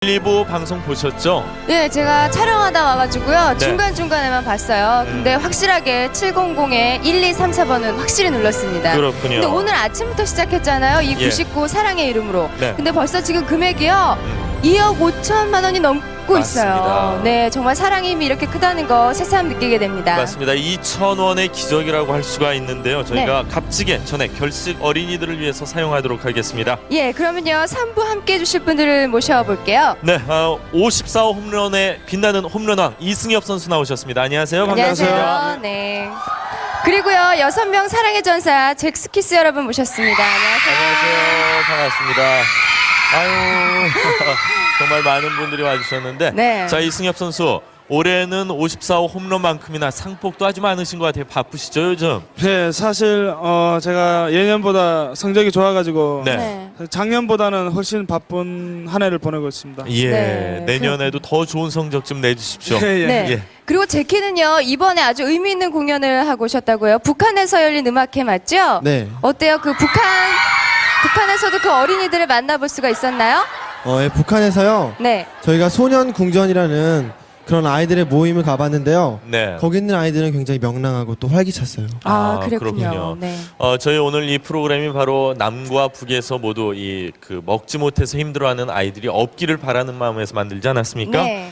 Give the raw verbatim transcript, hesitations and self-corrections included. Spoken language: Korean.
일, 이 부 방송 보셨죠? 네, 제가 촬영하다 와가지고요. 네. 중간중간에만 봤어요. 음. 근데 확실하게 칠공공에 일, 이, 삼, 사 번은 확실히 눌렀습니다. 그렇군요. 근데 오늘 아침부터 시작했잖아요. 이 예. 구십구 사랑의 이름으로. 네. 근데 벌써 지금 금액이요. 음. 이억 오천만 원이 넘고 맞습니다. 있어요. 네, 정말 사랑의 힘이 이렇게 크다는 거 새삼 느끼게 됩니다. 맞습니다. 이천 원의 기적이라고 할 수가 있는데요. 저희가 네. 값지게 전액 결식 어린이들을 위해서 사용하도록 하겠습니다. 예, 그러면요. 삼 부 함께 해주실 분들을 모셔볼게요. 네, 어, 오십사 호 홈런에 빛나는 홈런왕 이승엽 선수 나오셨습니다. 안녕하세요. 반갑습니다. 안녕하세요. 네. 그리고요. 여섯 명 사랑의 전사 잭스키스 여러분 모셨습니다. 안녕하세요. 안녕하세요. 반갑습니다. 아유, 정말 많은 분들이 와주셨는데, 네. 자, 이승엽 선수 올해는 오십사 호 홈런만큼이나 상복도 아주 많으신 것 같아요. 바쁘시죠 요즘? 네, 사실 어 제가 예년보다 성적이 좋아가지고 네. 네. 작년보다는 훨씬 바쁜 한 해를 보내고 있습니다. 예, 네, 내년에도 더 좋은 성적 좀 내주십시오. 예, 예. 네. 예. 그리고 제키는요 이번에 아주 의미 있는 공연을 하고 오셨다고요. 북한에서 열린 음악회 맞죠? 네. 어때요? 그 북한 북한에서도 그 어린이들을 만나볼 수가 있었나요? 어, 예, 북한에서요. 네. 저희가 소년 궁전이라는 그런 아이들의 모임을 가봤는데요. 네. 거기 있는 아이들은 굉장히 명랑하고 또 활기찼어요. 아, 아, 그랬군요. 그렇군요. 네. 어, 저희 오늘 이 프로그램이 바로 남과 북에서 모두 이 그 먹지 못해서 힘들어하는 아이들이 없기를 바라는 마음에서 만들지 않았습니까? 네.